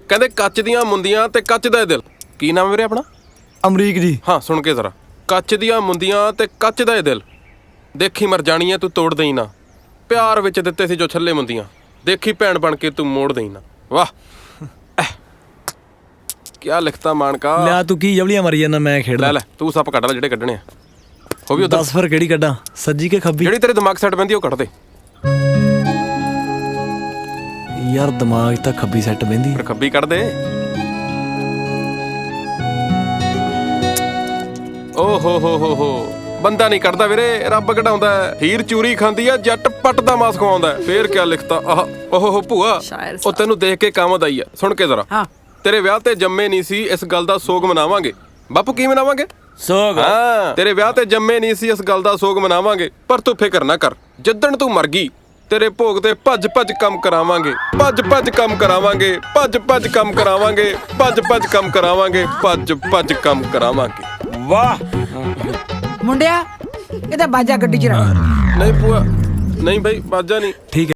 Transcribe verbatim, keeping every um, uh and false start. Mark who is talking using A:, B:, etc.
A: ਕਹਿੰਦੇ ਕੱਚ ਦੀਆਂ ਮੁੰਦੀਆਂ ਤੇ ਕੱਚ ਦਾ ਦਿਲ। ਕੀ ਨਾਮ ਵੀਰੇ ਆਪਣਾ?
B: ਅਮਰੀਕ ਜੀ।
A: ਹਾਂ ਸੁਣ ਕੇ ਜ਼ਰਾ, ਕੱਚ ਦੀਆਂ ਮੁੰਦੀਆਂ ਤੇ ਕੱਚ ਦਾ ਦਿਲ, ਦੇਖੀ ਮਰ ਜਾਣੀ ਐ ਤੂੰ ਤੋੜ ਦੇਈ ਨਾ। ਪਿਆਰ ਵਿੱਚ ਦਿੱਤੇ ਸੀ ਜੋ ਛੱਲੇ ਮੁੰਦੀਆਂ, ਦੇਖੀ ਭੈਣ ਬਣ ਕੇ ਤੂੰ ਮੋੜ ਦੇਈ ਨਾ। ਵਾਹ ਕਿਆ ਲਿਖਤਾ ਮਾਨਕਾ।
B: ਲਿਆ ਤੂੰ ਕੀ ਜਵਲੀਆਂ ਮਾਰੀ ਜਾਂਦਾ, ਮੈਂ ਖੇਡਦਾ।
A: ਲੈ ਲੈ ਤੂੰ ਸੱਪ ਕੱਢ ਲੈ ਜਿਹੜੇ ਕੱਢਣੇ ਆ। ਉਹ ਵੀ ਉਧਰ
B: ਦੱਸ ਫਿਰ ਕਿਹੜੀ ਕੱਢਾਂ, ਸੱਜੀ ਕਿ ਖੱਬੀ?
A: ਜਿਹੜੀ ਤੇਰੇ ਦਿਮਾਗ ਸੈੱਟ ਪੈਂਦੀ ਉਹ ਕੱਢ ਦੇ।
B: ਯਾਰ ਦਿਮਾਗ ਤਾਂ ਖੱਬੀ ਸੈੱਟ ਬਹਿੰਦੀ।
A: ਫਿਰ ਖੱਬੀ ਕੱਢ ਦੇ। ਓ ਹੋ ਹੋ ਹੋ ਹੋ ਬੰਦਾ ਨਹੀਂ ਕੱਢਦਾ ਵੀਰੇ, ਰੱਬ ਕਢਾਉਂਦਾ। ਹੀਰ ਚੂਰੀ ਖਾਂਦੀ ਆ, ਜੱਟ ਪੱਟ ਦਾ ਮਾਸ ਖਵਾਉਂਦਾ। ਫੇਰ ਕਿਆ ਲਿਖਤਾ। ਆਹ ਓਹ ਭੂਆ, ਉਹ ਤੈਨੂੰ ਦੇਖ ਕੇ ਕਾਮਦ ਆਈ ਆ। ਸੁਣ ਕੇ ਜ਼ਰਾ, ਤੇਰੇ ਵਿਆਹ ਤੇ ਜੰਮੇ ਨਹੀਂ ਸੀ, ਇਸ ਗੱਲ ਦਾ ਸੋਗ ਮਨਾਵਾਂਗੇ। ਬਾਪੂ ਕੀ ਮਨਾਵਾਂਗੇ?
B: ਸੋਗ।
A: ਹਾਂ, ਤੇਰੇ ਵਿਆਹ ਤੇ ਜੰਮੇ ਨਹੀਂ ਸੀ, ਇਸ ਗੱਲ ਦਾ ਸੋਗ ਮਨਾਵਾਂਗੇ। ਪਰ ਤੂੰ ਫਿਕਰ ਨਾ ਕਰ, ਜਿੱਦਣ ਤੂੰ ਮਰ ਗਈ ਤੇਰੇ ਭੋਗ ਤੇ ਭੱਜ ਭੱਜ ਕੰਮ ਕਰਾਵਾਂਗੇ। ਭੱਜ ਭੱਜ ਕੰਮ ਕਰਾਵਾਂਗੇ, ਭੱਜ ਭੱਜ ਕੰਮ ਕਰਾਵਾਂਗੇ, ਭੱਜ ਭੱਜ ਕੰਮ ਕਰਾਵਾਂਗੇ, ਭੱਜ ਭੱਜ ਕੰਮ ਕਰਾਵਾਂਗੇ।
B: ਵਾਹ
C: ਮੁੰਡਿਆ, ਇਹਦਾ ਬਾਜਾ ਗੱਡੀ ਚ ਰੱਖ।
A: ਨਹੀਂ ਭੂਆ, ਨਹੀਂ ਬਈ ਬਾਜਾ ਨਹੀਂ।
B: ਠੀਕ ਹੈ।